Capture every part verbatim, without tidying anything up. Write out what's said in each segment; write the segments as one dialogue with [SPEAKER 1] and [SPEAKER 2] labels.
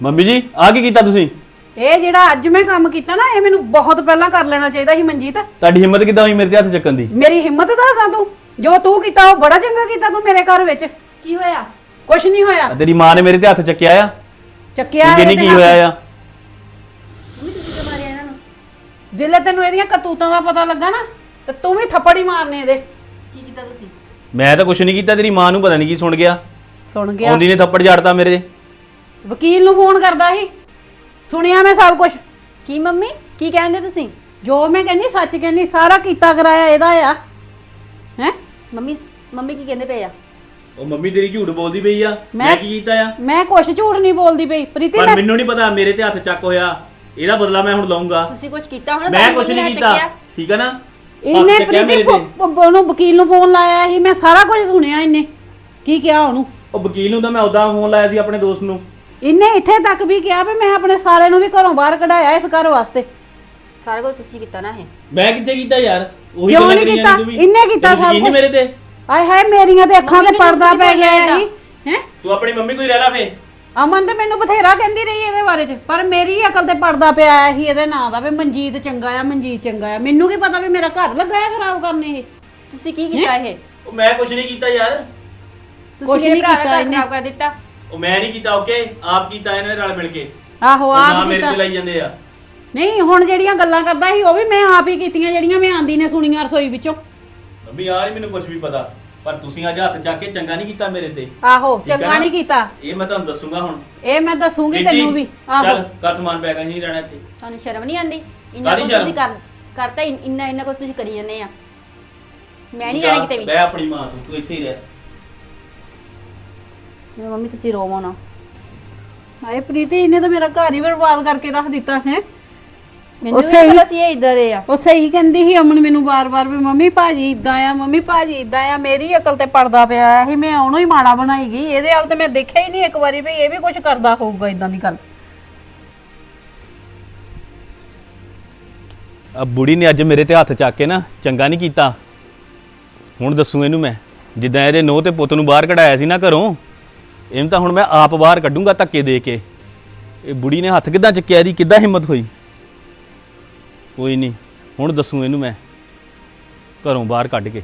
[SPEAKER 1] Mummy ਜੀ ਆ ਕੀ ਕੀਤਾ ਤੁਸੀਂ?
[SPEAKER 2] ਇਹ ਜਿਹੜਾ ਅੱਜ ਮੈਂ ਕੰਮ ਕੀਤਾ ਨਾ ਇਹ ਮੈਨੂੰ ਬਹੁਤ ਪਹਿਲਾਂ ਕਰ ਲੈਣਾ ਚਾਹੀਦਾ ਸੀ ਮਨਜੀਤ।
[SPEAKER 1] ਤੁਹਾਡੀ ਹਿੰਮਤ ਕਿੱਦਾਂ ਹੋਈ ਮੇਰੇ ਤੇ ਹੱਥ ਚੱਕਣ ਦੀ?
[SPEAKER 2] ਮੇਰੀ ਹਿੰਮਤ ਦੱਸਾਂ ਤੂੰ? ਜੋ ਤੂੰ ਕੀਤਾ ਉਹ ਬੜਾ ਚੰਗਾ ਕੀਤਾ ਤੂੰ ਮੇਰੇ ਘਰ ਵਿੱਚ।
[SPEAKER 3] ਕੀ ਹੋਇਆ?
[SPEAKER 2] ਕੁਛ ਨਹੀਂ ਹੋਇਆ।
[SPEAKER 1] ਤੇਰੀ ਮਾਂ ਨੇ ਮੇਰੇ ਤੇ ਹੱਥ ਚੱਕਿਆ ਆ।
[SPEAKER 2] ਚੱਕਿਆ
[SPEAKER 1] ਇਹ ਨਹੀਂ ਕੀ ਹੋਇਆ ਆ?
[SPEAKER 3] ਮੰਮੀ ਤੁਸੀਂ ਕਿਉਂ ਮਾਰਿਆ ਇਹਨਾਂ ਨੂੰ?
[SPEAKER 2] ਜਿੱਲੇ ਤੈਨੂੰ ਇਹਦੀਆਂ ਕਰਤੂਤਾਂ ਦਾ ਪਤਾ ਲੱਗਾ ਨਾ ਤੇ ਤੂੰ ਵੀ ਥੱਪੜ ਹੀ ਮਾਰਨੇ ਇਹਦੇ।
[SPEAKER 3] ਕੀ ਕੀਤਾ ਤੁਸੀਂ?
[SPEAKER 1] ਮੈਂ ਤਾਂ ਕੁਛ ਨਹੀਂ ਕੀਤਾ, ਤੇਰੀ ਮਾਂ ਨੂੰ ਪਤਾ ਨਹੀਂ ਕੀ ਸੁਣ ਗਿਆ।
[SPEAKER 2] ਸੁਣ ਗਿਆ?
[SPEAKER 1] ਆਉਂਦੀ ਨੇ ਥੱਪੜ ਜੜਤਾ ਮੇਰੇ।
[SPEAKER 2] ਵਕੀਲ ਨੂੰ ਫੋਨ ਕਰਦਾ ਸੀ, ਸੁਣਿਆ ਮੈਂ ਸਭ ਕੁਝ।
[SPEAKER 3] ਕੀ ਮੰਮੀ ਕੀ ਕਹਿੰਦੇ ਤੁਸੀਂ?
[SPEAKER 2] ਜੋ ਮੈਂ ਕਹਿੰਦੀ ਸੱਚ ਕਹਿੰਦੀ, ਸਾਰਾ ਕੀਤਾ ਕਰਾਇਆ ਇਹਦਾ ਆ। ਹੈ
[SPEAKER 3] ਮੰਮੀ ਮੰਮੀ ਕੀ ਕਹਿੰਦੇ ਪਏ ਆ?
[SPEAKER 1] ਉਹ ਮੰਮੀ ਤੇਰੀ ਝੂਠ ਬੋਲਦੀ ਪਈ ਆ।
[SPEAKER 2] ਮੈਂ-
[SPEAKER 1] ਮੈਂ ਕੀ ਕੀਤਾ ਆ?
[SPEAKER 2] ਮੈਂ ਕੁਛ ਝੂਠ ਨਹੀਂ ਬੋਲਦੀ ਪਈ ਪ੍ਰੀਤੀ।
[SPEAKER 1] ਪਰ
[SPEAKER 2] ਮੈਂ
[SPEAKER 1] ਮੈਨੂੰ ਨਹੀਂ ਪਤਾ ਮੇਰੇ ਤੇ ਹੱਥ ਚੱਕ ਹੋਇਆ। ਇਹਦਾ ਬਦਲਾ ਮੈਂ ਹੁਣ ਲਵਾਂਗਾ।
[SPEAKER 3] ਤੁਸੀਂ ਕੁਝ ਕੀਤਾ ਹੋਣਾ?
[SPEAKER 1] ਮੈਂ ਕੁਛ ਨਹੀਂ ਕੀਤਾ, ਠੀਕ ਆ ਨਾ?
[SPEAKER 2] ਇਹਨੇ
[SPEAKER 1] ਹੱਥ ਚੱਕਿਆ
[SPEAKER 2] ਪ੍ਰੀਤੀ
[SPEAKER 1] ਮੇਰੇ ਤੇ।
[SPEAKER 2] ਫੋ- ਉਹਨੂੰ ਵਕੀਲ ਨੂੰ ਫੋਨ ਲਾਇਆ ਸੀ, ਮੈਂ ਸਾਰਾ ਕੁਝ ਸੁਣਿਆ। ਇਹਨੇ ਕੀ ਕਿਹਾ ਉਹਨੂੰ?
[SPEAKER 1] ਉਹ ਵਕੀਲ ਨੂੰ ਤਾਂ ਮੈਂ ਉਦਾਂ ਫੋਨ ਲਾਇਆ ਸੀ ਆਪਣੇ ਦੋਸਤ ਨੂੰ।
[SPEAKER 2] ਇਹਨੇ ਇੱਥੇ ਤੱਕ ਵੀ ਕਿਹਾ ਵੀ ਮੈਂ ਆਪਣੇ ਸਾਲੇ ਨੂੰ ਵੀ ਘਰੋਂ ਬਾਹਰ ਕਢਾਇਆ ਇਸ ਘਰ ਵਾਸਤੇ।
[SPEAKER 3] ਸਾਰਾ ਕੁਝ ਤੁਸੀਂ ਕੀਤਾ ਨਾ ਇਹ?
[SPEAKER 1] ਮੈਂ ਕਿੱਥੇ ਕੀਤਾ ਯਾਰ? ਉਹੀ
[SPEAKER 2] ਕਿਉਂ
[SPEAKER 1] ਗੱਲਾਂ
[SPEAKER 2] ਨਹੀਂ
[SPEAKER 1] ਕਰੀ
[SPEAKER 2] ਕੀਤਾ?
[SPEAKER 1] ਜਾਂਦੀ ਤੂੰ ਵੀ।
[SPEAKER 2] ਇਹਨੇ ਕੀਤਾ
[SPEAKER 1] ਤੈਨੂੰ
[SPEAKER 2] ਸਭ
[SPEAKER 1] ਯਕੀਨ
[SPEAKER 2] ਕੁਛ।
[SPEAKER 1] ਨਹੀਂ ਮੇਰੇ ਤੇ?
[SPEAKER 2] ਆਏ ਹਾਏ ਮੇਰੀਆਂ ਤੇ ਅੱਖਾਂ ਤੇ
[SPEAKER 3] ਮੰਮੀ ਨੇ
[SPEAKER 2] ਪਰਦਾ
[SPEAKER 3] ਕੁਛ
[SPEAKER 2] ਪੈ
[SPEAKER 3] ਨਹੀਂ
[SPEAKER 2] ਗਿਆ
[SPEAKER 3] ਬੋਲਿਆ
[SPEAKER 2] ਸੀ। ਹੈ
[SPEAKER 1] ਤੂੰ ਆਪਣੀ ਮੰਮੀ ਕੋਈ ਰਹਿ ਲਾ ਫੇ।
[SPEAKER 2] ਅਮਨ ਤੇ ਮੈਨੂੰ ਬਥੇਰਾ ਕਹਿੰਦੀ ਰਹੀ ਇਹਦੇ ਬਾਰੇ ਚ, ਪਰ ਮੇਰੀ ਅਕਲ ਤੇ ਪਰਦਾ ਪਿਆ ਆਇਆ ਸੀ ਇਹਦੇ ਨਾਂ ਦਾ ਵੀ ਮਨਜੀਤ ਚੰਗਾ ਆ, ਮਨਜੀਤ ਚੰਗਾ ਆ। ਮੈਨੂੰ ਕੀ ਪਤਾ ਵੀ ਮੇਰਾ ਘਰ ਲੱਗਾ ਹੈ ਖਰਾਬ ਕਰਨੇ ਇਹ।
[SPEAKER 3] ਤੁਸੀਂ ਕੀ ਕੀਤਾ ਇਹ?
[SPEAKER 1] ਉਹ ਮੈਂ ਕੁਛ ਨਹੀਂ ਕੀਤਾ ਯਾਰ।
[SPEAKER 3] ਤੁਸੀਂ
[SPEAKER 2] ਕੁਛ
[SPEAKER 3] ਮੇਰੇ
[SPEAKER 2] ਨਹੀਂ
[SPEAKER 3] ਭਰਾ ਦਾ
[SPEAKER 2] ਕੀਤਾ
[SPEAKER 3] ਘਰ
[SPEAKER 2] ਇਹਨੇ।
[SPEAKER 3] ਖਰਾਬ ਕਰ ਦਿੱਤਾ।
[SPEAKER 1] ਉਹ ਮੈਂ ਨਹੀਂ ਕੀਤਾ। ਓਕੇ ਆਪ ਕੀਤਾ ਇਹਨਾਂ ਨੇ ਰਲ ਮਿਲ ਕੇ।
[SPEAKER 2] ਆਹੋ
[SPEAKER 1] ਉਹ
[SPEAKER 2] ਆਪ
[SPEAKER 1] ਨਾ ਮੇਰੇ
[SPEAKER 2] ਕੀਤਾ।
[SPEAKER 1] ਤੇ ਲਾਈ ਜਾਂਦੇ ਆ।
[SPEAKER 2] ਨਹੀਂ ਹੁਣ ਜਿਹੜੀਆਂ ਗੱਲਾਂ ਕਰਦਾ ਸੀ ਉਹ ਵੀ ਮੈਂ ਆਪ ਹੀ ਕੀਤੀਆਂ, ਜਿਹੜੀਆਂ ਮੈਂ ਆਂਦੀ ਨੇ ਸੁਣੀਆਂ ਰਸੋਈ ਵਿੱਚੋਂ।
[SPEAKER 1] ਮੰਮੀ ਯਾਰ ਹੀ ਮੈਨੂੰ ਕੁਝ ਵੀ ਪਤਾ, ਪਰ ਤੁਸੀਂ ਅੱਜ ਹੱਥ ਚੱਕ ਕੇ ਚੰਗਾ ਨਹੀਂ ਕੀਤਾ ਮੇਰੇ ਤੇ।
[SPEAKER 2] ਆਹੋ
[SPEAKER 1] ਠੀਕ ਆ
[SPEAKER 2] ਚੰਗਾ
[SPEAKER 1] ਨਾ?
[SPEAKER 2] ਨਹੀਂ ਕੀਤਾ।
[SPEAKER 1] ਇਹ ਮੈਂ ਤੁਹਾਨੂੰ ਦੱਸੂਗਾ ਹੁਣ।
[SPEAKER 2] ਇਹ ਮੈਂ ਦੱਸੂਗੀ
[SPEAKER 1] ਪ੍ਰੀਤੀ,
[SPEAKER 2] ਤੈਨੂੰ ਵੀ। ਆਹੋ
[SPEAKER 1] ਚੱਲ ਕਰ ਸਮਾਨ ਪੈਕ, ਅਸੀਂ ਨਹੀਂ ਰਹਿਣਾ ਇੱਥੇ।
[SPEAKER 3] ਤੁਹਾਨੂੰ ਸ਼ਰਮ ਨਹੀਂ ਆਉਂਦੀ? ਇੰਨਾ
[SPEAKER 1] ਕਾਹਦੀ
[SPEAKER 3] ਕੁਝ
[SPEAKER 1] ਸ਼ਰਮ?
[SPEAKER 3] ਤੁਸੀਂ ਕਰ ਕਰਤਾ ਇਨ- ਇੰਨਾ ਇੰਨਾ ਕੁਝ ਤੁਸੀਂ ਕਰੀ ਜਾਂਦੇ ਆ। ਮੈਂ ਨਹੀਂ ਜਾਣਾ ਕਿਤੇ ਵੀ।
[SPEAKER 1] ਮੈਂ ਆਪਣੀ ਮਾਂ ਤੋਂ, ਤੂੰ ਇੱਥੇ ਹੀ ਰਹਿ।
[SPEAKER 3] ਮੇਰੀ ਮੰਮੀ ਤੁਸੀਂ ਰੋਵੋ ਨਾ।
[SPEAKER 2] ਹਾਏ ਪ੍ਰੀਤੀ ਇਹਨੇ ਤਾਂ ਮੇਰਾ ਘਰ ਹੀ ਬਰਬਾਦ ਕਰਕੇ ਰੱਖ ਦਿੱਤਾ ਹੈ।
[SPEAKER 3] ਮੈਨੂੰ
[SPEAKER 2] ਉਹ
[SPEAKER 3] ਵੀ
[SPEAKER 2] ਸਹੀ-
[SPEAKER 3] ਪਤਾ ਸੀ ਇਹ ਇਦਾਂ ਦੇ ਆ।
[SPEAKER 2] ਉਹ ਸਹੀ ਕਹਿੰਦੀ ਸੀ ਅਮਨ ਮੈਨੂੰ ਬਾਰ-ਬਾਰ ਵੀ ਮੰਮੀ ਭਾਜੀ ਇਦਾਂ ਆ, ਮੰਮੀ ਭਾਜੀ ਇਦਾਂ ਆ। ਮੇਰੀ ਅਕਲ ਤੇ ਪਰਦਾ ਪਿਆ ਆ ਸੀ, ਮੈਂ ਉਹਨੂੰ ਹੀ ਮਾੜਾ ਬਣਾਈ ਗਈ। ਇਹਦੇ ਹਾਲ ਤੇ ਮੈਂ ਦੇਖਿਆ ਹੀ ਨਹੀਂ ਇੱਕ ਵਾਰੀ ਵੀ ਇਹ ਵੀ ਕੁਝ ਕਰਦਾ ਹੋਊਗਾ ਇਦਾਂ ਦੀ ਗੱਲ।
[SPEAKER 1] ਆ ਬੁੜੀ ਨੇ ਅੱਜ ਮੇਰੇ ਤੇ ਹੱਥ ਚੱਕ ਕੇ ਨਾ ਚੰਗਾ ਨਹੀਂ ਕੀਤਾ। ਹੁਣ ਦੱਸੂ ਇਹਨੂੰ ਮੈਂ, ਜਿੱਦਾਂ ਇਹਦੇ ਨੋਹ ਤੇ ਪੁੱਤ ਨੂੰ ਬਾਹਰ ਕਢਾਇਆ ਸੀ ਨਾ ਘਰੋਂ, ਇਹਨੂੰ ਤਾਂ ਹੁਣ ਮੈਂ ਆਪ ਬਾਹਰ ਕੱਢੂੰਗਾ ਧੱਕੇ ਦੇ ਕੇ। ਇਹ ਬੁੜੀ ਨੇ ਹੱਥ ਕਿੱਦਾਂ ਚੱਕਿਆ, ਇਹਦੀ ਕਿੱਦਾਂ ਹਿੰਮਤ ਹੋਈ? ਕੋਈ ਨਹੀਂ, ਹੁਣ ਦੱਸੂ ਇਹਨੂੰ ਮੈਂ ਘਰੋਂ ਬਾਹਰ ਕੱਢ ਕੇ।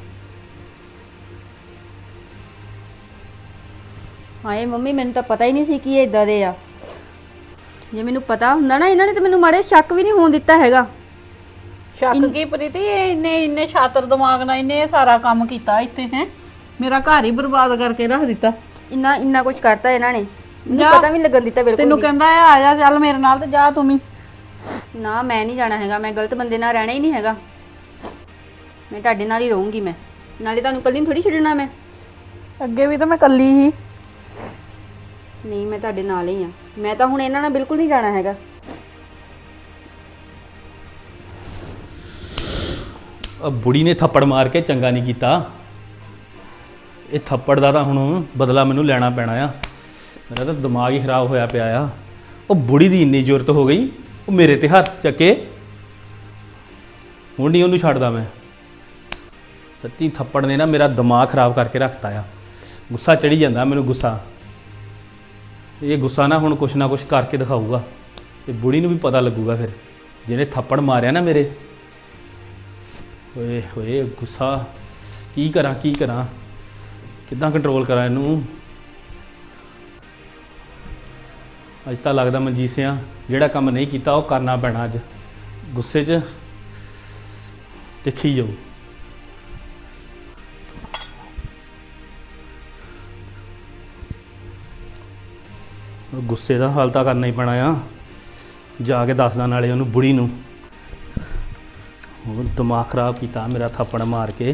[SPEAKER 3] ਹਾਏ ਮੰਮੀ ਮੈਨੂੰ ਤਾਂ ਪਤਾ ਹੀ ਨਹੀਂ ਸੀ ਕਿ ਇਹ ਇਦਾਂ ਦੇ ਆ। ਜੇ ਮੈਨੂੰ ਪਤਾ ਹੁੰਦਾ ਨਾ ਇਹਨਾਂ ਨੇ ਤਾਂ ਮੈਨੂੰ ਮਾੜੇ ਸ਼ੱਕ ਵੀ ਨਹੀਂ ਹੋਣ ਦਿੱਤਾ ਹੈਗਾ।
[SPEAKER 2] ਸ਼ੱਕ ਕੀ ਪ੍ਰੀਤੀ, ਇਹ ਇੰਨੇ ਇੰਨੇ ਸ਼ਾਤਰ ਦਿਮਾਗ ਨਾਲ ਇਹਨੇ ਇਹ ਸਾਰਾ ਕੰਮ ਕੀਤਾ ਇੱਥੇ ਹੈ। ਮੇਰਾ ਘਰ ਹੀ ਬਰਬਾਦ ਕਰਕੇ ਰੱਖ ਦਿੱਤਾ।
[SPEAKER 3] ਇੰਨਾ ਇੰਨਾ ਕੁਝ ਕਰਤਾ ਇਹਨਾਂ ਨੇ, ਮੈਨੂੰ
[SPEAKER 2] ਜਾ।
[SPEAKER 3] ਪਤਾ ਵੀ ਨਹੀਂ ਲੱਗਣ ਦਿੱਤਾ ਬਿਲਕੁਲ
[SPEAKER 2] ਤੈਨੂੰ
[SPEAKER 3] ਵੀ।
[SPEAKER 2] ਕਹਿੰਦਾ ਆ ਆ ਜਾ ਚੱਲ ਮੇਰੇ ਨਾਲ ਤੇ ਜਾ ਤੂੰ ਵੀ।
[SPEAKER 3] ਨਾ ਮੈਂ ਨਹੀਂ ਜਾਣਾ ਹੈਗਾ, ਮੈਂ ਗਲਤ ਬੰਦੇ ਨਾਲ ਰਹਿਣਾ ਹੀ ਨਹੀਂ ਹੈਗਾ। ਮੈਂ ਤੁਹਾਡੇ ਨਾਲ ਹੀ ਰਹੂੰਗੀ। ਮੈਂ ਨਾਲੇ ਤੁਹਾਨੂੰ ਕੱਲੀ ਥੋੜੀ ਛੱਡਣਾ। ਮੈਂ
[SPEAKER 2] ਅੱਗੇ ਵੀ ਤਾਂ ਮੈਂ ਕੱਲੀ ਹੀ।
[SPEAKER 3] ਨਹੀਂ ਮੈਂ ਤੁਹਾਡੇ ਨਾਲ ਹੀ ਆ। ਮੈਂ ਤਾਂ ਹੁਣ ਇਹਨਾਂ ਨਾਲ ਬਿਲਕੁਲ ਨਹੀਂ ਜਾਣਾ ਹੈਗਾ।
[SPEAKER 1] ਆ ਬੁੜੀ ਨੇ ਥੱਪੜ ਮਾਰ ਕੇ ਚੰਗਾ ਨਹੀਂ ਕੀਤਾ। ਇਹ ਥੱਪੜ ਦਾ ਤਾਂ ਹੁਣ ਬਦਲਾ ਮੈਨੂੰ ਲੈਣਾ ਪੈਣਾ ਆ। ਮੇਰਾ ਤਾਂ ਦਿਮਾਗ ਹੀ ਖਰਾਬ ਹੋਇਆ ਪਿਆ ਆ। ਉਹ ਬੁੜੀ ਦੀ ਇੰਨੀ ਜ਼ਰੂਰਤ ਹੋ ਗਈ, ਉਹ ਮੇਰੇ ਤੇ ਹੱਥ ਚੱਕੇ। ਹੁਣ ਨਹੀਂ ਉਹਨੂੰ ਛੱਡਦਾ ਮੈਂ। ਸੱਚੀ ਥੱਪੜ ਨੇ ਨਾ ਮੇਰਾ ਦਿਮਾਗ ਖਰਾਬ ਕਰਕੇ ਰੱਖਤਾ ਆ। ਗੁੱਸਾ ਚੜੀ ਜਾਂਦਾ ਮੈਨੂੰ ਗੁੱਸਾ। ਇਹ ਗੁੱਸਾ ਨਾ ਹੁਣ ਕੁਛ ਨਾ ਕੁਛ ਕਰਕੇ ਦਿਖਾਊਗਾ। ਤੇ ਬੁੜੀ ਨੂੰ ਵੀ ਪਤਾ ਲੱਗੂਗਾ ਫਿਰ, ਜਿਹਨੇ ਥੱਪੜ ਮਾਰਿਆ ਨਾ ਮੇਰੇ। ਓਏ ਹੋਏ ਗੁੱਸਾ ਕੀ ਕਰਾਂ ਕੀ ਕਰਾਂ, ਕਿੱਦਾਂ ਕੰਟਰੋਲ ਕਰਾਂ ਇਹਨੂੰ। ਅੱਜ ਤਾਂ ਲੱਗਦਾ ਮਨਜੀਤ ਸਿਆਂ ਜਿਹੜਾ ਕੰਮ ਨਹੀਂ ਕੀਤਾ ਉਹ ਕਰਨਾ ਪੈਣਾ ਅੱਜ। ਗੁੱਸੇ 'ਚ ਦੇਖੀ ਜਾਊ। ਗੁੱਸੇ ਦਾ ਹਾਲ ਤਾਂ ਕਰਨਾ ਹੀ ਪੈਣਾ ਆ। ਜਾ ਕੇ ਦੱਸਦਾ ਨਾਲੇ ਉਹਨੂੰ ਬੁੜੀ ਨੂੰ। ਉਹ ਦਿਮਾਗ ਖਰਾਬ ਕੀਤਾ ਮੇਰਾ ਥੱਪੜ ਮਾਰ ਕੇ।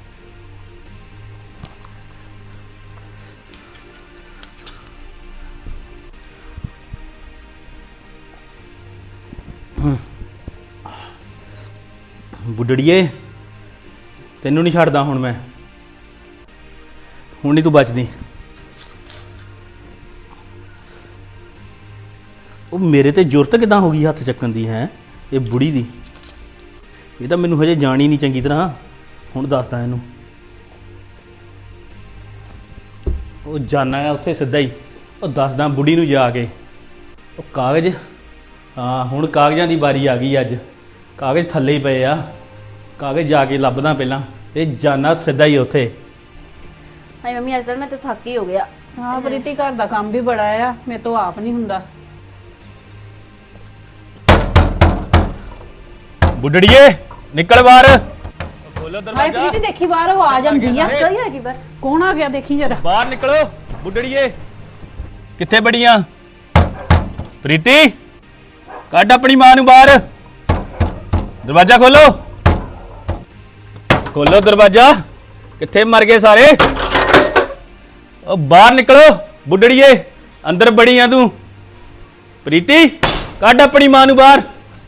[SPEAKER 1] ਬੁੱਢੜੀਏ ਤੈਨੂੰ ਨਹੀਂ ਛੱਡਦਾ ਹੁਣ ਮੈਂ। ਹੁਣ ਨਹੀਂ ਤੂੰ ਬਚਦੀ। ਉਹ ਮੇਰੇ ਤੇ ਜ਼ਰੂਰਤ ਕਿੱਦਾਂ ਹੋ ਗਈ ਹੱਥ ਚੱਕਣ ਦੀ ਹੈ ਇਹ ਬੁੜੀ ਦੀ। ਇਹ ਤਾਂ ਮੈਨੂੰ ਹਜੇ ਜਾਣੀ ਨਹੀਂ ਚੰਗੀ ਤਰ੍ਹਾਂ। ਹੁਣ ਦੱਸਦਾ ਇਹਨੂੰ। ਉਹ ਜਾਣਾ ਆ ਉੱਥੇ ਸਿੱਧਾ ਹੀ। ਉਹ ਦੱਸਦਾ ਬੁੜੀ ਨੂੰ ਜਾ ਕੇ ਉਹ ਕਾਗਜ਼ ਹਾਂ ਹੁਣ ਕਾਗਜ਼ਾਂ ਦੀ ਵਾਰੀ ਆ ਗਈ ਅੱਜ। ਕਾਗਜ਼ ਥੱਲੇ ਹੀ ਪਏ ਆ। ਕਾਗਜ਼ ਜਾ ਕੇ ਲੱਭਦਾ ਪਹਿਲਾਂ ਤੇ ਜਾਣਾ ਸਿੱਧਾ ਹੀ ਉੱਥੇ।
[SPEAKER 3] ਹਾਏ ਮੰਮੀ ਅੱਜ ਤੱਕ ਮੈਂ ਤਾਂ ਥੱਕ ਹੀ ਹੋ ਗਿਆ।
[SPEAKER 2] ਹਾਂ ਪ੍ਰੀਤੀ ਘਰ ਦਾ ਕੰਮ ਵੀ ਬੜਾ ਆ, ਮੇਰੇ ਤੋਂ ਆਪ ਨਹੀਂ ਹੁੰਦਾ।
[SPEAKER 1] ਬੁੱਢੜੀਏ ਨਿਕਲ ਬਾਹਰ। ਖੋਲੋ
[SPEAKER 2] ਹਾਏ
[SPEAKER 1] ਦਰਵਾਜ਼ਾ।
[SPEAKER 2] ਪ੍ਰੀਤੀ ਦੇਖੀ ਬਾਹਰ ਉਹ ਆ ਜਾਂਦੀ ਆ।
[SPEAKER 3] ਸਹੀ ਹੈਗੀ ਪਰ
[SPEAKER 2] ਕੌਣ ਆ ਗਿਆ ਦੇਖੀ ਜਰਾ।
[SPEAKER 1] ਬਾਹਰ ਨਿਕਲੋ ਬੁੱਢੜੀਏ। ਕਿੱਥੇ ਬੜੀਆਂ? ਪ੍ਰੀਤੀ ਕੱਢ ਆਪਣੀ ਮਾਂ ਨੂੰ ਬਾਹਰ। ਦਰਵਾਜ਼ਾ ਖੋਲੋ। ਖੋਲੋ ਦਰਵਾਜ਼ਾ। ਕਿੱਥੇ ਮਰ ਗਏ ਸਾਰੇ? ਉਹ ਬਾਹਰ ਨਿਕਲੋ ਬੁੱਢੜੀਏ। ਅੰਦਰ ਬੜੀ ਆ ਤੂੰ। ਪ੍ਰੀਤੀ ਕੱਢ ਆਪਣੀ ਮਾਂ ਨੂੰ ਬਾਹਰ।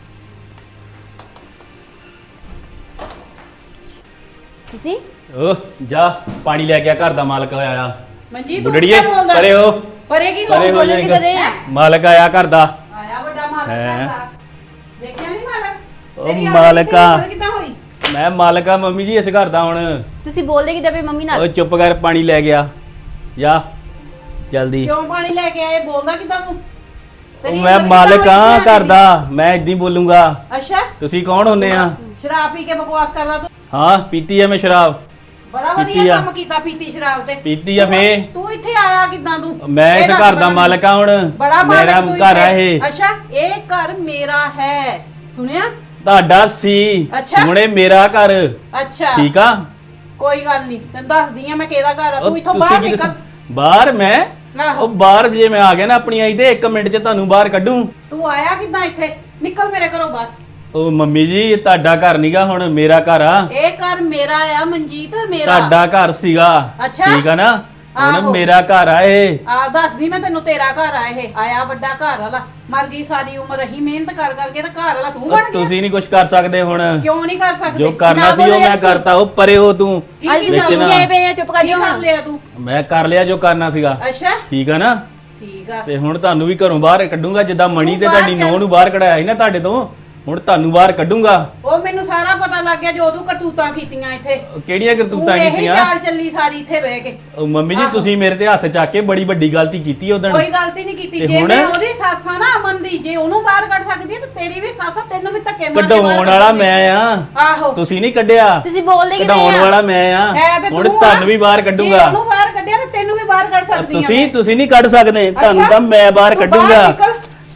[SPEAKER 3] ਤੁਸੀਂ
[SPEAKER 1] ਓ ਜਾ ਪਾਣੀ ਲੈ ਕੇ ਆ, ਘਰ ਦਾ ਮਾਲਕ ਆਇਆ।
[SPEAKER 2] ਮਨਜੀਤ ਤੂੰ
[SPEAKER 1] ਬੁੱਢੜੀਏ
[SPEAKER 2] ਕਿੱਦਾਂ ਬੋਲਦਾ?
[SPEAKER 1] ਪਰੇ ਹੋ
[SPEAKER 2] ਪਰੇ ਕੀ
[SPEAKER 1] ਪਰੇ ਹੋ
[SPEAKER 3] ਬੋਲਣ ਕਿੱਦਾਂ ਦੇ?
[SPEAKER 1] ਜਾਏਗਾ। ਮਾਲਕ ਆਇਆ ਘਰ ਦਾ।
[SPEAKER 2] ਆਇਆ ਵੱਡਾ ਮਾਲਕ
[SPEAKER 1] ਹੈਂ?
[SPEAKER 2] ਕਰਦਾ। ਦੇਖਿਆ ਨਹੀਂ ਮਾਲਕ?
[SPEAKER 1] ਉਹ
[SPEAKER 2] ਤੇਰੀ
[SPEAKER 1] ਮਾਲਕ ਆ।
[SPEAKER 2] ਆਵਾਜ਼ ਕਿੱਦਾਂ ਹੋਈ?
[SPEAKER 1] ਮੈਂ ਮਾਲਕ ਆ ਮੰਮੀ ਜੀ ਇਸ ਘਰ ਦਾ ਹੁਣ।
[SPEAKER 3] ਤੁਸੀਂ ਬੋਲਦੇ ਕਿਦਾਂ ਪਏ ਮੰਮੀ
[SPEAKER 1] ਓ
[SPEAKER 3] ਨਾਲ?
[SPEAKER 1] ਚੁੱਪ ਕਰ ਪਾਣੀ ਲੈ ਗਿਆ ਜਾ ਜਲਦੀ।
[SPEAKER 2] ਕਿਉਂ ਪਾਣੀ ਲੈ ਕੇ ਆਏ? ਬੋਲਦਾ ਕਿੱਦਾਂ ਤੂੰ?
[SPEAKER 1] ਉਹ
[SPEAKER 2] ਤੇਰੀ
[SPEAKER 1] ਮੈਂ
[SPEAKER 2] ਉਮਰ
[SPEAKER 1] ਮਾਲਕ
[SPEAKER 2] ਕਿੱਦਾਂ
[SPEAKER 1] ਆ
[SPEAKER 2] ਹੋਈ
[SPEAKER 1] ਘਰ ਦਾ। ਮੈਂ ਇਦਾਂ ਹੀ ਬੋਲੂੰਗਾ।
[SPEAKER 2] ਅੱਛਾ
[SPEAKER 1] ਤੁਸੀਂ ਕੌਣ ਹੁੰਨੇ ਆ?
[SPEAKER 2] ਸ਼ਰਾਬ ਪੀ ਕੇ ਬਕਵਾਸ ਕਰਦਾ ਤੂੰ।
[SPEAKER 1] ਹਾਂ ਪੀਤੀ ਆ ਮੈਂ ਸ਼ਰਾਬ।
[SPEAKER 2] ਬੜਾ
[SPEAKER 1] ਪੀਤੀ
[SPEAKER 2] ਵਧੀਆ
[SPEAKER 1] ਆ।
[SPEAKER 2] ਕੰਮ ਕੀਤਾ ਪੀਤੀ ਸ਼ਰਾਬ ਤੇ।
[SPEAKER 1] ਪੀਤੀ ਆ
[SPEAKER 2] ਤੂੰ-
[SPEAKER 1] ਫੇ।
[SPEAKER 2] ਤੂੰ ਇੱਥੇ ਆਇਆ ਕਿੱਦਾਂ ਤੂੰ?
[SPEAKER 1] ਮੈਂ
[SPEAKER 2] ਇਹ
[SPEAKER 1] ਇਸ
[SPEAKER 2] ਦੱਸ
[SPEAKER 1] ਘਰ ਦਾ
[SPEAKER 2] ਪਹਿਲਾਂ
[SPEAKER 1] ਮਾਲਕ ਆ ਹੁਣ।
[SPEAKER 2] ਬੜਾ ਮਾਲਕ
[SPEAKER 1] ਮੇਰਾ
[SPEAKER 2] ਤੂੰ
[SPEAKER 1] ਘਰ ਆ
[SPEAKER 2] ਇੱਥੇ।
[SPEAKER 1] ਇਹ।
[SPEAKER 2] ਅੱਛਾ ਇਹ ਘਰ ਮੇਰਾ ਹੈ, ਸੁਣਿਆ?
[SPEAKER 1] ਤੁਹਾਡਾ ਸੀ
[SPEAKER 2] ਅੱਛਾ।
[SPEAKER 1] ਹੁਣੇ ਮੇਰਾ ਘਰ।
[SPEAKER 2] ਅੱਛਾ
[SPEAKER 1] ਠੀਕ ਆ।
[SPEAKER 2] ਕੋਈ ਗੱਲ ਨਹੀਂ, ਤੈਨੂੰ ਦੱਸਦੀ ਆ ਮੈਂ ਕਿਹਦਾ ਘਰ ਆ।
[SPEAKER 1] ਉਹ
[SPEAKER 2] ਤੂੰ ਇੱਥੋਂ
[SPEAKER 1] ਤੁਸੀਂ
[SPEAKER 2] ਬਾਹਰ
[SPEAKER 1] ਕੀ
[SPEAKER 2] ਨਿਕਲ।
[SPEAKER 1] ਦੱਸ- ਬਾਹਰ ਮੈਂ
[SPEAKER 2] ਆਹੋ।
[SPEAKER 1] ਉਹ ਬਾਹਰ ਜੇ ਮੈਂ ਆ ਗਿਆ ਨਾ ਆਪਣੀ ਆਈ ਤੇ ਇੱਕ ਮਿੰਟ 'ਚ ਤੁਹਾਨੂੰ ਬਾਹਰ ਕੱਢੂੰ।
[SPEAKER 2] ਤੂੰ ਆਇਆ ਕਿੱਦਾਂ ਇੱਥੇ? ਨਿਕਲ ਮੇਰੇ ਘਰੋਂ ਬਾਹਰ।
[SPEAKER 1] ਉਹ ਮੰਮੀ ਜੀ ਇਹ ਤੁਹਾਡਾ ਘਰ ਨਹੀਂਗਾ ਹੁਣ ਮੇਰਾ ਘਰ ਆ।
[SPEAKER 2] ਇਹ ਘਰ ਮੇਰਾ ਆ ਮਨਜੀਤ, ਮੇਰਾ।
[SPEAKER 1] ਤੁਹਾਡਾ ਘਰ ਸੀਗਾ
[SPEAKER 2] ਅੱਛਾ।
[SPEAKER 1] ਠੀਕ ਆ ਨਾ। ਹੁਣ
[SPEAKER 2] ਆਹੋ।
[SPEAKER 1] ਮੇਰਾ ਘਰ ਆ ਇਹ।
[SPEAKER 2] ਆ ਦੱਸਦੀ ਮੈਂ ਤੈਨੂੰ, ਤੇਰਾ ਘਰ ਆ ਇਹ। ਆਇਆ ਵੱਡਾ ਘਰ ਵਾਲਾ, ਮਰ ਗਈ ਸਾਰੀ ਉਮਰ ਅਸੀਂ ਮਿਹਨਤ ਕਰ ਕਰਕੇ ਤੇ ਘਰ ਵਾਲਾ ਤੂੰ ਬਣ ਗਿਆ।
[SPEAKER 1] ਤੁਸੀਂ ਨਹੀਂ ਕੁਝ ਕਰ ਸਕਦੇ ਹੁਣ।
[SPEAKER 2] ਕਿਉਂ ਨਹੀਂ ਕਰ ਸਕਦੇ?
[SPEAKER 1] ਜੋ ਕਰਨਾ
[SPEAKER 2] ਨਾ
[SPEAKER 1] ਸੀ ਉਹ
[SPEAKER 2] ਬੋਲੋ
[SPEAKER 1] ਮੈਂ
[SPEAKER 2] ਯਾਰ ਤੁਸੀਂ।
[SPEAKER 1] ਕਰਤਾ। ਉਹ ਪਰੇ ਹੋ ਤੂੰ।
[SPEAKER 2] ਕੀ
[SPEAKER 3] ਅੱਜ
[SPEAKER 2] ਕੀ
[SPEAKER 3] ਤੁਸੀਂ
[SPEAKER 2] ਕਰ
[SPEAKER 1] ਲੇਕਿਨ-
[SPEAKER 3] ਕਿੰਨੇ ਆਏ ਪਏ ਆ? ਚੁੱਪ ਕਰ
[SPEAKER 2] ਕੀ
[SPEAKER 3] ਜਾ
[SPEAKER 2] ਕਰ
[SPEAKER 3] ਹੁਣ।
[SPEAKER 2] ਲਿਆ ਤੂੰ?
[SPEAKER 1] ਮੈਂ ਕਰ ਲਿਆ ਜੋ ਕਰਨਾ ਸੀਗਾ।
[SPEAKER 2] ਅੱਛਾ
[SPEAKER 1] ਠੀਕ ਆ ਨਾ।
[SPEAKER 2] ਠੀਕ ਆ।
[SPEAKER 1] ਤੇ ਹੁਣ ਤੁਹਾਨੂੰ ਵੀ ਘਰੋਂ ਬਾਹਰ ਕੱਢੂੰਗਾ ਜਿੱਦਾਂ ਮਣੀ
[SPEAKER 2] ਤੂੰ
[SPEAKER 1] ਤੇ
[SPEAKER 2] ਬਾਹਰ
[SPEAKER 1] ਤੁਹਾਡੀ
[SPEAKER 2] ਚੱਲ।
[SPEAKER 1] ਨੌਂ ਨੂੰ ਬਾਹਰ ਕਢਾਇਆ ਸੀ ਨਾ ਤੁਹਾਡੇ ਤੋਂ। ਹੁਣ ਤੁਹਾਨੂੰ ਬਾਹਰ ਕੱਢੂੰਗਾ।
[SPEAKER 2] ਉਹ ਮੈਨੂੰ ਸਾਰਾ ਪਤਾ ਲੱਗ ਗਿਆ ਜੋ ਤੂੰ ਕਰਤੂਤਾਂ ਕੀਤੀਆਂ ਇੱਥੇ।
[SPEAKER 1] ਉਹ ਕਿਹੜੀਆਂ
[SPEAKER 2] ਤੂੰ
[SPEAKER 1] ਕਰਤੂਤਾਂ
[SPEAKER 2] ਇਹੀ
[SPEAKER 1] ਕੀਤੀਆਂ?
[SPEAKER 2] ਚਾਲ ਚੱਲੀ ਸਾਰੀ ਇੱਥੇ ਬਹਿ ਕੇ।
[SPEAKER 1] ਉਹ ਮੰਮੀ ਜੀ
[SPEAKER 2] ਆਹੋ।
[SPEAKER 1] ਤੁਸੀਂ ਮੇਰੇ ਤੇ ਹੱਥ ਚੱਕ ਕੇ ਬੜੀ ਵੱਡੀ ਗਲਤੀ ਕੀਤੀ ਉਦੋਂ।
[SPEAKER 2] ਕੋਈ ਗਲਤੀ ਨਹੀਂ ਕੀਤੀ।
[SPEAKER 1] ਤੇ
[SPEAKER 2] ਜੇ
[SPEAKER 1] ਹੁਣ?
[SPEAKER 2] ਮੈਂ ਉਹਦੀ ਸੱਸ ਆ ਨਾ ਅਮਨ ਦੀ, ਜੇ ਉਹਨੂੰ ਬਾਹਰ ਕੱਢ ਸਕਦੀ ਆ ਤੇ ਤੇਰੀ ਵੀ ਸੱਸ ਆ, ਤੈਨੂੰ ਵੀ ਧੱਕੇ ਮਾਰ ਕੇ ਬਾਹਰ
[SPEAKER 1] ਕਢਾਉਣ ਵਾਲਾ
[SPEAKER 2] ਕੱਢੂਗੀ।
[SPEAKER 1] ਮੈਂ ਆ।
[SPEAKER 2] ਆਹੋ
[SPEAKER 1] ਤੁਸੀਂ ਨਹੀਂ ਕੱਢਿਆ।
[SPEAKER 3] ਤੁਸੀਂ ਬੋਲਦੇ ਕਿਦਾਂ
[SPEAKER 1] ਕਢਾਉਣ
[SPEAKER 3] ਆ?
[SPEAKER 1] ਵਾਲਾ ਮੈਂ ਆ।
[SPEAKER 2] ਹੈ ਤੇ
[SPEAKER 1] ਹੁਣ
[SPEAKER 2] ਤੂੰ ਆ।
[SPEAKER 1] ਤੁਹਾਨੂੰ ਵੀ ਬਾਹਰ
[SPEAKER 2] ਜੇ
[SPEAKER 1] ਕੱਢੂੰਗਾ।
[SPEAKER 2] ਉਹਨੂੰ ਬਾਹਰ ਕੱਢਿਆ ਤੇ ਤੈਨੂੰ ਵੀ ਬਾਹਰ ਕੱਢ ਸਕਦੀ ਆ
[SPEAKER 1] ਤੁਸੀਂ ਤੁਸੀਂ ਨਹੀਂ ਕੱਢ ਸਕਦੇ। ਤੁਹਾਨੂੰ
[SPEAKER 2] ਅੱਛਾ?
[SPEAKER 1] ਤਾਂ ਮੈਂ ਬਾਹਰ
[SPEAKER 2] ਤੂੰ
[SPEAKER 1] ਕੱਢੂੰਗਾ।
[SPEAKER 2] ਨਿਕਲ।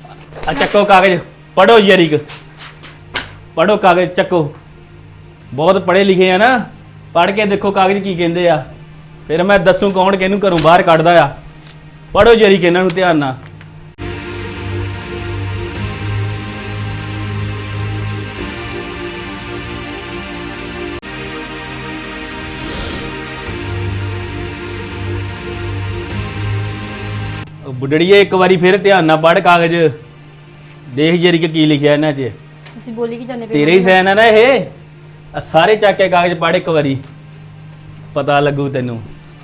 [SPEAKER 1] ਆ ਚੱਕੋ ਕਾਗਜ਼ ਪੜੋ ਜਰੀਕ। ਪੜੋ ਕਾਗਜ਼ ਚੱਕੋ। ਬਹੁਤ ਪੜ੍ਹੇ ਲਿਖੇ ਆ ਨਾ। ਪੜ੍ਹ ਕੇ ਦੇਖੋ ਕਾਗਜ਼ ਕੀ ਕਹਿੰਦੇ ਆ, ਫਿਰ ਮੈਂ ਦੱਸੂ ਕੌਣ ਕਿਹਨੂੰ ਘਰੋਂ ਬਾਹਰ ਕੱਢਦਾ ਆ। ਪੜੋ ਜਰੀਕ ਇਹਨਾਂ ਨੂੰ ਧਿਆਨ ਨਾਲ। ਉਹ ਬੁੱਢੜੀਏ ਇੱਕ ਵਾਰੀ ਫਿਰ ਧਿਆਨ ਨਾਲ ਪੜ੍ਹ ਕਾਗਜ਼। ਦੇਖ ਜਰੀਕ ਕੀ ਲਿਖਿਆ ਇਹਨਾਂ 'ਚ।
[SPEAKER 3] ਤੁਸੀਂ ਬੋਲੀ ਕੀ ਜਾਂਦੇ ਪਏ?
[SPEAKER 1] ਤੇਰੇ ਹੀ ਸੈਨ ਆ ਨਾ ਇਹ। ਆ ਸਾਰੇ ਚੱਕ ਕੇ ਕਾਗਜ਼ ਪੜ੍ਹ ਇੱਕ ਵਾਰੀ, ਪਤਾ ਲੱਗੂ ਤੈਨੂੰ।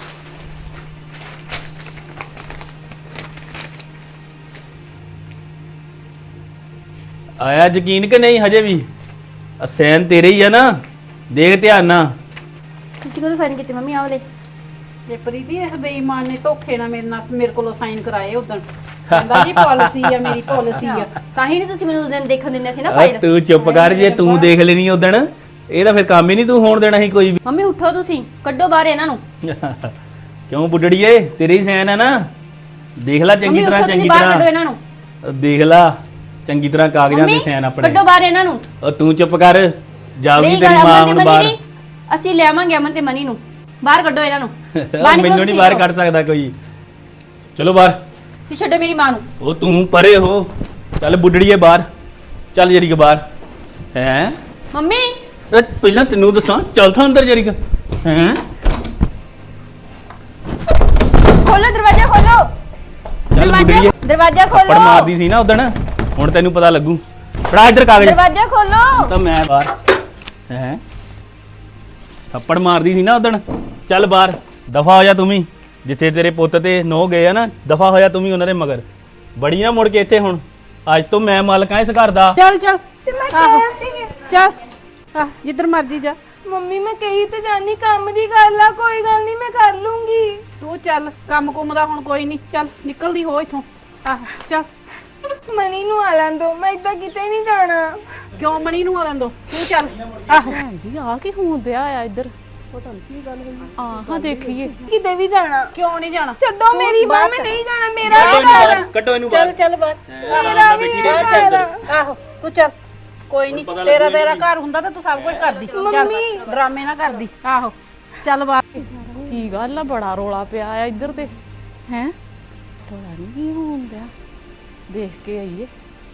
[SPEAKER 1] ਆਇਆ ਯਕੀਨ ਕਿ ਨਹੀਂ ਹਜੇ ਵੀ? ਆ ਸੈਨ ਤੇਰੇ ਹੀ ਆ ਨਾ। ਦੇਖ ਧਿਆਨ ਨਾਲ।
[SPEAKER 3] ਤੁਸੀਂ ਕਦੋਂ ਸਾਈਨ ਕੀਤੇ ਮੰਮੀ? ਆਹ ਵਾਲੇ
[SPEAKER 2] ਜੇ ਪ੍ਰੀਤੀ ਇਸ ਬੇਈਮਾਨ ਨੇ ਧੋਖੇ ਨਾਲ ਮੇਰੇ ਨਾਲ ਮੇਰੇ ਕੋਲੋਂ ਸਾਈਨ ਕਰਾਏ ਉਦੋਂ। ਕਹਿੰਦਾ ਜੀ ਪਾਲਿਸੀ ਆ, ਮੇਰੀ ਪਾਲਿਸੀ ਆ।
[SPEAKER 3] ਤਾਂ ਹੀ ਨਹੀਂ ਤੁਸੀਂ ਮੈਨੂੰ ਉਸ ਦਿਨ ਦੇਖਣ ਦਿੰਦੇ ਸੀ ਨਾ
[SPEAKER 1] ਆ
[SPEAKER 3] ਫਾਈਲ।
[SPEAKER 1] ਤੂੰ ਚੁੱਪ ਕਰ। ਜੇ ਤੂੰ ਦੇਖ ਲੈਣੀ ਉਦਣ ਇਹਦਾ ਫਿਰ ਕੰਮ ਹੀ ਨਹੀਂ ਤੂੰ ਹੋਣ ਦੇਣਾ ਸੀ ਕੋਈ ਵੀ।
[SPEAKER 3] ਮੰਮੀ ਉੱਠੋ, ਤੁਸੀਂ ਕੱਢੋ ਬਾਹਰ ਇਹਨਾਂ ਨੂੰ।
[SPEAKER 1] ਕਿਉਂ ਬੁੱਢੜੀਏ ਤੇਰੇ ਹੀ ਸੈਨ ਆ ਨਾ। ਦੇਖ ਲੈ ਚੰਗੀ
[SPEAKER 3] ਮੰਮੀ
[SPEAKER 1] ਤਰ੍ਹਾਂ
[SPEAKER 3] ਉੱਠੋ, ਤੁਸੀਂ
[SPEAKER 1] ਚੰਗੀ
[SPEAKER 3] ਬਾਹਰ ਕੱਢੋ
[SPEAKER 1] ਤਰ੍ਹਾਂ
[SPEAKER 3] ਇਹਨਾਂ ਨੂੰ।
[SPEAKER 1] ਦੇਖ ਲੈ ਚੰਗੀ ਤਰ੍ਹਾਂ ਕਾਗਜ਼ਾਂ ਦੇ
[SPEAKER 3] ਮੰਮੀ
[SPEAKER 1] ਸੈਨ ਆਪਣੇ।
[SPEAKER 3] ਕੱਢੋ ਬਾਹਰ ਇਹਨਾਂ ਨੂੰ।
[SPEAKER 1] ਉਹ ਤੂੰ ਚੁੱਪ ਕਰ। ਜਾਊਗੀ
[SPEAKER 3] ਨਹੀਂ
[SPEAKER 1] ਤੇਰੀ
[SPEAKER 3] ਗੱਲ
[SPEAKER 1] ਮਾਂ
[SPEAKER 3] ਅਮਨ ਤੇ
[SPEAKER 1] ਹੁਣ
[SPEAKER 3] ਮਨੀ
[SPEAKER 1] ਬਾਹਰ।
[SPEAKER 3] ਨਹੀਂ, ਅਸੀਂ ਲਿਆਵਾਂਗੇ ਅਮਨ ਤੇ ਮਨੀ ਨੂੰ। ਬਾਹਰ ਕੱਢੋ ਇਹਨਾਂ ਨੂੰ। ਬਾਹਰ ਨਿਕਲੋ
[SPEAKER 1] ਮੈਨੂੰ ਨਹੀਂ
[SPEAKER 3] ਤੁਸੀਂ
[SPEAKER 1] ਬਾਹਰ
[SPEAKER 3] ਇੱਥੋਂ।
[SPEAKER 1] ਕੱਢ ਸਕਦਾ ਕੋਈ। ਚਲੋ ਬਾਹਰ।
[SPEAKER 3] ਤੁਸੀਂ ਛੱਡੋ ਮੇਰੀ ਮਾਂ ਨੂੰ।
[SPEAKER 1] ਉਹ ਤੂੰ ਪਰੇ ਹੋ। ਚੱਲ ਬੁੱਢੜੀਏ ਬਾਹਰ। ਚੱਲ ਜਰੀ ਕੇ ਬਾਹਰ। ਹੈ
[SPEAKER 3] ਮੰਮੀ
[SPEAKER 1] ਪਹਿਲਾਂ ਤੈਨੂੰ ਦੱਸਾਂ। ਚੱਲ ਥਾਂ ਅੰਦਰ ਜਰੀ ਹੈ।
[SPEAKER 3] ਖੋਲੋ ਦਰਵਾਜ਼ਾ, ਖੋਲੋ
[SPEAKER 1] ਚੱਲ
[SPEAKER 3] ਦਰਵਾਜ਼ਾ,
[SPEAKER 1] ਬੁੱਢੜੀਏ।
[SPEAKER 3] ਦਰਵਾਜ਼ਾ
[SPEAKER 1] ਥੱਪੜ
[SPEAKER 3] ਖੋਲੋ।
[SPEAKER 1] ਮਾਰਦੀ ਸੀ ਨਾ ਉਦਣ। ਹੁਣ ਤੈਨੂੰ ਪਤਾ ਲੱਗੂ। ਫੜਾ ਇੱਧਰ ਕਾਗਜ਼।
[SPEAKER 3] ਦਰਵਾਜ਼ਾ ਖੋਲੋ।
[SPEAKER 1] ਤਾਂ ਮੈਂ ਬਾਹਰ। ਹੈ ਥੱਪੜ ਮਾਰਦੀ ਸੀ ਨਾ ਉਦਣ। ਚੱਲ ਬਾਹਰ। ਦਫਾ ਹੋ ਜਾ ਤੂੰ ਵੀ। ਜਿੱਥੇ ਤੇਰੇ ਪੁੱਤ ਤੇ ਨੋ ਗਏ ਆ ਨਾ, ਦਫਾ ਹੋਇਆ ਤੂੰ ਵੀ ਉਹਨਾਂ ਦੇ ਮਗਰ। ਬੜੀ ਨਾ ਮੁੜ ਕੇ ਇੱਥੇ ਹੁਣ। ਅੱਜ ਤੋਂ ਮੈਂ ਮਾਲਕ ਆ ਇਸ ਘਰ ਦਾ।
[SPEAKER 2] ਚੱਲ ਚੱਲ
[SPEAKER 4] ਮੈਂ
[SPEAKER 2] ਆਹੋ।
[SPEAKER 4] ਕਹਿੰਦੀ ਆ
[SPEAKER 2] ਚੱਲ ਆ ਜਿੱਧਰ ਮਰਜੀ ਜਾ।
[SPEAKER 4] ਮੰਮੀ ਮੈਂ ਕਹੀ ਤੇ ਜਾਨੀ ਕੰਮ ਦੀ ਗੱਲ ਆ, ਕੋਈ ਗੱਲ ਨਹੀਂ ਮੈਂ ਕਰ ਲੂੰਗੀ।
[SPEAKER 2] ਤੂੰ ਚੱਲ, ਕੰਮ ਕੁੰਮ ਦਾ ਹੁਣ ਕੋਈ ਨਹੀਂ। ਚੱਲ ਨਿਕਲਦੀ ਹੋ ਇੱਥੋਂ। ਆਹ ਚੱਲ
[SPEAKER 4] ਮਨੀ ਨੂੰ ਆ ਲੈਣ ਦੋ, ਮੈਂ ਇਦਾਂ ਕਿਤੇ ਨਹੀਂ ਜਾਣਾ।
[SPEAKER 2] ਕਿਉਂ ਮਣੀ ਨੂੰ ਆਰਨ ਦੋ, ਤੂੰ ਚੱਲ। ਆਹੋ
[SPEAKER 5] ਭੈਣ ਜੀ ਆ ਕੀ ਹੁੰਦਿਆ ਆ ਇੱਧਰ? ਪਤਾ ਨਹੀਂ ਕੀ ਗੱਲ ਹੋਈ। ਆ ਹਾਂ ਦੇਖੀਏ।
[SPEAKER 4] ਕਿਤੇ ਵੀ ਜਾਣਾ।
[SPEAKER 2] ਕਿਉਂ ਨਹੀਂ ਜਾਣਾ?
[SPEAKER 4] ਛੱਡੋ ਮੇਰੀ ਮਾਂ, ਮੈਂ ਨਹੀਂ ਜਾਣਾ। ਮੇਰਾ ਵੀ ਘਰ ਆ।
[SPEAKER 1] ਕੱਢੋ ਇਹਨੂੰ
[SPEAKER 2] ਚੱਲ ਚੱਲ ਬਾਹਰ।
[SPEAKER 4] ਮੇਰਾ ਵੀ ਘਰ ਆ।
[SPEAKER 2] ਆਹੋ ਤੂੰ ਚੱਲ, ਕੋਈ ਨਹੀਂ, ਤੇਰਾ ਤੇਰਾ ਘਰ ਹੁੰਦਾ ਤਾਂ ਤੂੰ ਸਭ ਕੁਝ ਕਰਦੀ। ਮੰਮੀ ਡਰਾਮੇ ਨਾ ਕਰਦੀ। ਆਹੋ ਚੱਲ ਬਾਹਰ।
[SPEAKER 5] ਕੀ ਗੱਲ ਆ, ਬੜਾ ਰੋਲਾ ਪਿਆ ਆ ਇੱਧਰ ਤੇ ਹੈ। ਪਤਾ ਨਹੀਂ ਕੀ ਹੁੰਦਿਆ, ਦੇਖ ਕੇ ਆਈਏ।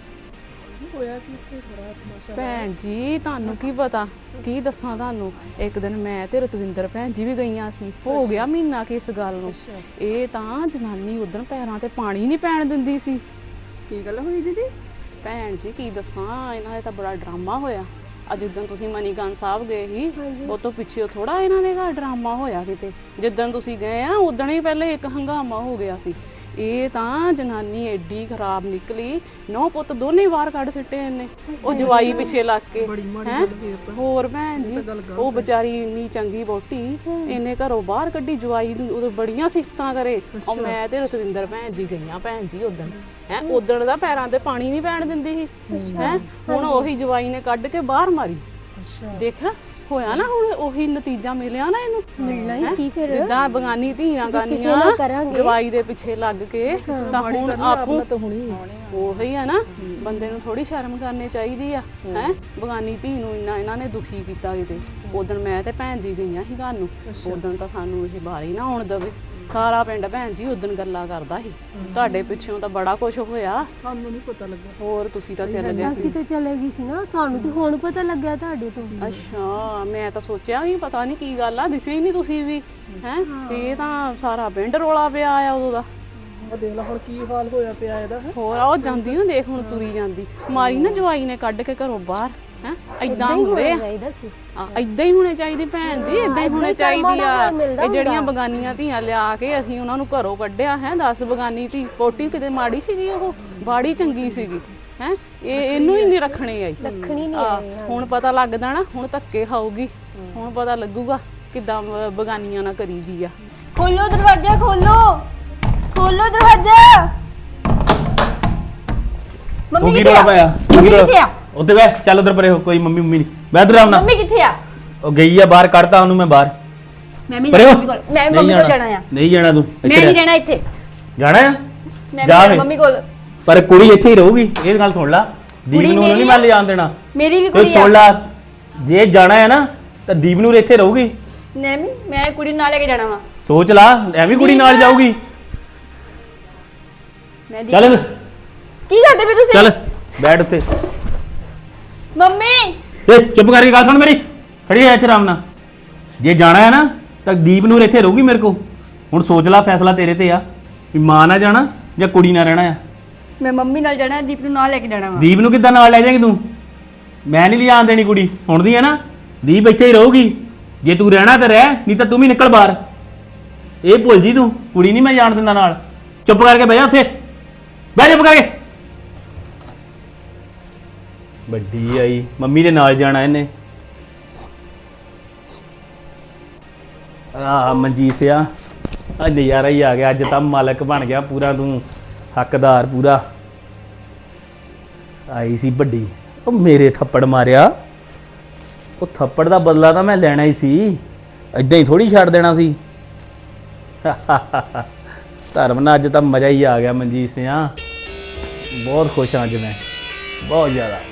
[SPEAKER 5] ਭੈਣ ਜੀ ਤੁਹਾਨੂੰ ਕੀ ਪਤਾ, ਕੀ ਦੱਸਾਂ ਤੁਹਾਨੂੰ। ਇੱਕ ਦਿਨ ਮੈਂ ਤੇ ਰਤਵਿੰਦਰ ਭੈਣ ਜੀ ਵੀ ਗਈਆਂ ਸੀ, ਹੋ ਗਿਆ ਮਹੀਨਾ ਕਿ ਇਸ ਗੱਲ ਨੂੰ। ਇਹ ਤਾਂ ਜਨਾਨੀ ਉਦੋਂ ਪੈਰਾਂ ਤੇ ਪਾਣੀ ਨਹੀਂ ਪੈਣ ਦਿੰਦੀ ਸੀ।
[SPEAKER 3] ਕੀ ਗੱਲ ਹੋਈ ਦੀਦੀ?
[SPEAKER 5] ਭੈਣ ਜੀ ਕੀ ਦੱਸਾਂ, ਇਹਨਾਂ ਦਾ ਤਾਂ ਬੜਾ ਡਰਾਮਾ ਹੋਇਆ। ਅੱਜ ਜਿੱਦਣ ਤੁਸੀਂ ਮਨੀਗਨ ਸਾਹਿਬ ਗਏ ਸੀ, ਉਹ ਤੋਂ ਪਿੱਛੇ ਥੋੜਾ ਇਹਨਾਂ ਦੇ ਘਰ ਡਰਾਮਾ ਹੋਇਆ ਕਿਤੇ। ਜਿੱਦਣ ਤੁਸੀਂ ਗਏ ਆ ਉਦਣ ਹੀ ਪਹਿਲੇ ਇੱਕ ਹੰਗਾਮਾ ਹੋ ਗਿਆ ਸੀ। ਇਹ ਤਾਂ ਜਨਾਨੀ ਐਡੀ ਖਰਾਬ ਨਿਕਲੀ, ਨੌ ਪੁੱਤ ਦੋਨੇ ਬਾਹਰ ਕੱਢ ਸਿੱਟੇ ਇਹਨੇ, ਉਹ ਜਵਾਈ ਪਿੱਛੇ ਲੱਗ ਕੇ ਹੈ। ਹੋਰ ਭੈਣ ਜੀ ਉਹ ਵਿਚਾਰੀ ਇੰਨੀ ਚੰਗੀ ਵੋਟੀ, ਇਹਨੇ ਘਰੋਂ ਬਾਹਰ ਕੱਢੀ ਜਵਾਈ ਨੂੰ, ਉਹ ਬੜੀਆਂ ਸਿਫਤਾਂ ਕਰੇ। ਉਹ ਮੈਂ ਤੇ ਰਤਵਿੰਦਰ ਭੈਣ ਜੀ ਗਈਆਂ ਭੈਣ ਜੀ ਉਦਣ ਹੈ। ਉਦਣ ਦਾ ਪੈਰਾਂ ਤੇ ਪਾਣੀ ਨਹੀਂ ਪੈਣ ਦਿੰਦੀ ਸੀ ਹੈ। ਹੁਣ ਉਹੀ ਜਵਾਈ ਨੇ ਕੱਢ ਕੇ ਬਾਹਰ ਮਾਰੀ। ਦੇਖਿਆ ਹੋਇਆ ਨਾ, ਹੁਣ ਉਹੀ ਨਤੀਜਾ ਮਿਲਿਆ ਨਾ ਇਹਨੂੰ।
[SPEAKER 6] ਮਿਲਣਾ ਹੀ ਸੀ ਫਿਰ।
[SPEAKER 5] ਜਿੱਦਾਂ ਬਗਾਨੀ ਧੀਆਂ
[SPEAKER 6] ਕਿਸੇ
[SPEAKER 5] ਗਾਨੀਆਂ
[SPEAKER 6] ਨਾਲ ਕਰਾਂਗੇ।
[SPEAKER 5] ਜਵਾਈ ਦੇ ਪਿੱਛੇ ਲੱਗ ਕੇ, ਤਾਂ ਹੁਣ ਆਪੂ ਉਹੀ ਆ ਨਾ, ਬੰਦੇ ਨੂੰ ਥੋੜੀ ਸ਼ਰਮ ਕਰਨੀ ਚਾਹੀਦੀ ਆ ਹੈ। ਬਗਾਨੀ ਧੀ ਨੂੰ ਇੰਨਾ ਇਹਨਾਂ ਨੇ ਦੁਖੀ ਕੀਤਾ ਕਿਤੇ। ਉਦਣ ਮੈਂ ਤੇ ਭੈਣ ਜੀ ਗਈਆਂ ਸੀ ਘਰ ਨੂੰ, ਉਦਣ ਤਾਂ ਸਾਨੂੰ ਇਹ ਬਾਰੀ ਨਾ ਆਉਣ ਦਵੇ। ਸਾਰਾ ਪਿੰਡ ਭੈਣ ਜੀ ਉਦਣ ਗੱਲਾਂ ਕਰਦਾ ਸੀ, ਤੁਹਾਡੇ ਪਿੱਛੋਂ ਤਾਂ ਬੜਾ ਕੁਝ ਹੋਇਆ, ਸਾਨੂੰ ਨਹੀਂ ਪਤਾ ਲੱਗਾ। ਹੋਰ ਤੁਸੀਂ ਤਾਂ ਚੱਲ ਗਏ ਸੀ।
[SPEAKER 6] ਅਸੀਂ ਤੇ ਚਲੇ ਗਈ ਸੀ ਨਾ, ਸਾਨੂੰ ਤੇ ਹੁਣ ਪਤਾ ਲੱਗਿਆ ਤੁਹਾਡੇ ਤੋਂ।
[SPEAKER 5] ਅੱਛਾ, ਮੈਂ ਤਾਂ ਸੋਚਿਆ ਵੀ ਪਤਾ ਨਹੀਂ ਕੀ ਗੱਲ ਆ, ਦਿਸੇ ਹੀ ਨਹੀਂ ਤੁਸੀਂ ਵੀ ਹੈ। ਇਹ ਤਾਂ ਸਾਰਾ ਪਿੰਡ ਰੋਲਾ ਪਿਆ ਆ ਉਦੋਂ ਦਾ।
[SPEAKER 7] ਉਹ ਦੇਖ ਲੈ ਹੁਣ ਕੀ ਹਾਲ ਹੋਇਆ ਪਿਆ ਇਹਦਾ।
[SPEAKER 5] ਹੋਰ ਆ ਉਹ ਜਾਂਦੀ ਨਾ, ਦੇਖ ਹੁਣ ਤੁਰੀ ਜਾਂਦੀ, ਮਾਰੀ ਨਾ ਜਵਾਈ ਨੇ ਕੱਢ ਕੇ ਘਰੋਂ ਬਾਹਰ ਹੈ। ਏਦਾਂ ਹੁੰਦੇ ਆ,
[SPEAKER 6] ਚਾਹੀਦਾ ਸੀ।
[SPEAKER 5] ਆ ਏਦਾਂ ਹੀ ਹੋਣੇ ਚਾਹੀਦੇ ਭੈਣ ਜੀ, ਏਦਾਂ ਹੀ ਹੋਣੇ ਚਾਹੀਦੀ ਆ। ਇਹ ਜਿਹੜੀਆਂ ਬਗਾਨੀਆਂ ਧੀਆਂ ਲਿਆ ਕੇ ਅਸੀਂ ਉਹਨਾਂ ਨੂੰ ਘਰੋਂ ਕੱਢਿਆ ਹੈ, ਦਸ ਬਗਾਨੀ ਧੀ ਪੋਟੀ ਕਿਤੇ ਮਾੜੀ ਸੀਗੀ, ਉਹ ਬਾੜੀ ਚੰਗੀ ਸੀਗੀ ਹੈ। ਇਹ ਇਹਨੂੰ ਹੀ ਨਹੀਂ ਰੱਖਣੇ ਆਈ,
[SPEAKER 6] ਰੱਖਣੀ ਨਹੀਂ
[SPEAKER 5] ਆ ਹੁਣ ਪਤਾ ਲੱਗਦਾ ਨਾ, ਹੁਣ ਧੱਕੇ ਖਾਊਗੀ, ਹੁਣ ਪਤਾ ਲੱਗੂਗਾ ਕਿੱਦਾਂ ਬਗਾਨੀਆਂ ਨਾਲ ਕਰੀਦੀ ਆ।
[SPEAKER 3] ਖੋਲੋ ਦਰਵਾਜ਼ਾ, ਖੋਲੋ ਖੋਲੋ ਦਰਵਾਜ਼ਾ।
[SPEAKER 1] ਤੂੰ
[SPEAKER 3] ਮੰਮੀ
[SPEAKER 1] ਕੀ
[SPEAKER 3] ਕਿੱਥੇ
[SPEAKER 1] ਰੋਲਾ
[SPEAKER 3] ਆ?
[SPEAKER 1] ਪਾਇਆ? ਤੂੰ
[SPEAKER 3] ਮੰਮੀ
[SPEAKER 1] ਕੀ
[SPEAKER 3] ਕਿੱਥੇ ਆ?
[SPEAKER 1] ਰੋਲਾ ਉੱਤੇ ਬੈ, ਚੱਲ ਉਧਰ ਪਰੇ ਹੋ, ਕੋਈ ਮੰਮੀ ਮੰਮੀ ਨਹੀਂ, ਮੈਂ ਉਧਰ ਆਉਣਾ।
[SPEAKER 3] ਮੰਮੀ ਕਿੱਥੇ ਆ?
[SPEAKER 1] ਉਹ ਗਈ ਆ ਬਾਹਰ, ਕੱਢਤਾ ਉਹਨੂੰ ਮੈਂ ਬਾਹਰ।
[SPEAKER 3] ਮੈਂ ਵੀ
[SPEAKER 1] ਪਰੇ ਹੋ।
[SPEAKER 3] ਮੰਮੀ ਕੋਲ, ਮੈਂ ਵੀ ਮੰਮੀ ਕੋਲ ਜਾਣਾ ਆ।
[SPEAKER 1] ਨਹੀਂ ਜਾਣਾ ਤੂੰ,
[SPEAKER 3] ਮੈਂ
[SPEAKER 1] ਇੱਥੇ
[SPEAKER 3] ਨਹੀਂ
[SPEAKER 1] ਰਹਿ।
[SPEAKER 3] ਰਹਿਣਾ ਇੱਥੇ,
[SPEAKER 1] ਜਾਣਾ ਆ
[SPEAKER 3] ਮੈਂ
[SPEAKER 1] ਜਾ
[SPEAKER 3] ਵੀ
[SPEAKER 1] ਫਿਰ।
[SPEAKER 3] ਮੰਮੀ ਕੋਲ।
[SPEAKER 1] ਪਰ ਕੁੜੀ ਇੱਥੇ ਹੀ ਰਹੂਗੀ, ਇਹ ਗੱਲ ਸੁਣ ਲੈ। ਦੀਪ
[SPEAKER 3] ਕੁੜੀ
[SPEAKER 1] ਨੂੰ
[SPEAKER 3] ਮੇਰੀ
[SPEAKER 1] ਨਹੀਂ
[SPEAKER 3] ਆ।
[SPEAKER 1] ਮੈਂ ਲੈ ਜਾਣ ਦੇਣਾ।
[SPEAKER 3] ਮੇਰੀ ਵੀ
[SPEAKER 1] ਕੋਈ
[SPEAKER 3] ਕੁੜੀ ਆ।
[SPEAKER 1] ਸੁਣ ਲੈ, ਜੇ ਜਾਣਾ ਹੈ ਨਾ ਤਾਂ ਦੀਪ ਨੂੰ ਇੱਥੇ ਰਹੂਗੀ।
[SPEAKER 3] ਨਹੀਂ ਮੈਂ ਕੁੜੀ ਨੂੰ ਨਾਲ ਲੈ ਕੇ ਜਾਣਾ ਵਾ।
[SPEAKER 1] ਸੋਚ ਲਾ, ਐਵੇਂ ਕੁੜੀ ਨਾਲ ਜਾਊਗੀ।
[SPEAKER 3] ਮੈਂ ਦੀ
[SPEAKER 1] ਚੱਲ
[SPEAKER 3] ਕੀ ਕਰਦੇ ਪਏ ਤੁਸੀਂ?
[SPEAKER 1] ਚੱਲ ਬੈਠ ਉੱਤੇ।
[SPEAKER 3] ਮੰਮੀ
[SPEAKER 1] ਏ ਚੁੱਪ ਕਰਕੇ ਗੱਲ ਸੁਣ ਮੇਰੀ, ਖੜੀ ਹੈ ਇੱਥੇ ਆਰਾਮ ਨਾਲ। ਜੇ ਜਾਣਾ ਹੈ ਨਾ ਤਾਂ ਦੀਪ ਨੂੰ ਇੱਥੇ ਰਹੂਗੀ ਮੇਰੇ ਕੋ। ਹੁਣ ਸੋਚ ਲਾ, ਫੈਸਲਾ ਤੇਰੇ ਤੇ ਆ ਵੀ ਮਾਂ ਨਾਲ ਜਾਣਾ ਜਾਂ ਕੁੜੀ ਨਾਲ ਰਹਿਣਾ ਆ।
[SPEAKER 3] ਮੈਂ ਮੰਮੀ ਨਾਲ ਜਾਣਾ, ਦੀਪ ਨੂੰ ਨਾਲ ਲੈ ਕੇ ਜਾਣਾ ਵਾ।
[SPEAKER 1] ਦੀਪ ਨੂੰ ਕਿੱਦਾਂ ਨਾਲ ਲੈ ਜਾਏਂਗੀ ਤੂੰ? ਮੈਂ ਨਹੀਂ ਲਿਆਣ ਦੇਣੀ ਕੁੜੀ, ਸੁਣਦੀ ਹੈ ਨਾ? ਦੀਪ ਇੱਥੇ ਹੀ ਰਹੂਗੀ, ਜੇ ਤੂੰ ਰਹਿਣਾ ਤਾਂ ਰਹਿ, ਨਹੀਂ ਤਾਂ ਤੂੰ ਵੀ ਨਿਕਲ ਬਾਹਰ। ਇਹ ਭੁੱਲ ਜੀ ਤੂੰ, ਕੁੜੀ ਨਹੀਂ ਮੈਂ ਜਾਣ ਦਿੰਦਾ ਨਾਲ। ਚੁੱਪ ਕਰਕੇ ਬਹਿ ਜਾ ਉੱਥੇ, ਬਹਿ ਚੁੱਪ ਕਰਕੇ। ਵੱਡੀ ਆਈ, ਮੰਮੀ ਦੇ ਨਾਲ ਜਾਣਾ ਇਹਨੇ। ਆ ਮਨਜੀਤ ਸਿਆ, ਆ ਨਜ਼ਾਰਾ ਹੀ ਆ ਗਿਆ ਅੱਜ ਤਾਂ, ਮਾਲਕ ਬਣ ਗਿਆ ਪੂਰਾ ਤੂੰ, ਹੱਕਦਾਰ ਪੂਰਾ। ਆਈ ਸੀ ਵੱਡੀ, ਉਹ ਮੇਰੇ ਥੱਪੜ ਮਾਰਿਆ, ਉਹ ਥੱਪੜ ਦਾ ਬਦਲਾ ਤਾਂ ਮੈਂ ਲੈਣਾ ਹੀ ਸੀ, ਐਦਾਂ ਹੀ ਥੋੜੀ ਛੱਡ ਦੇਣਾ ਸੀ। ਧਰਮ ਨਾਲ ਅੱਜ ਤਾਂ ਮਜ਼ਾ ਹੀ ਆ ਗਿਆ ਮਨਜੀਤ ਸਿਆ, ਬਹੁਤ ਖੁਸ਼ ਹਾਂ ਅੱਜ ਮੈਂ, ਬਹੁਤ ਜ਼ਿਆਦਾ।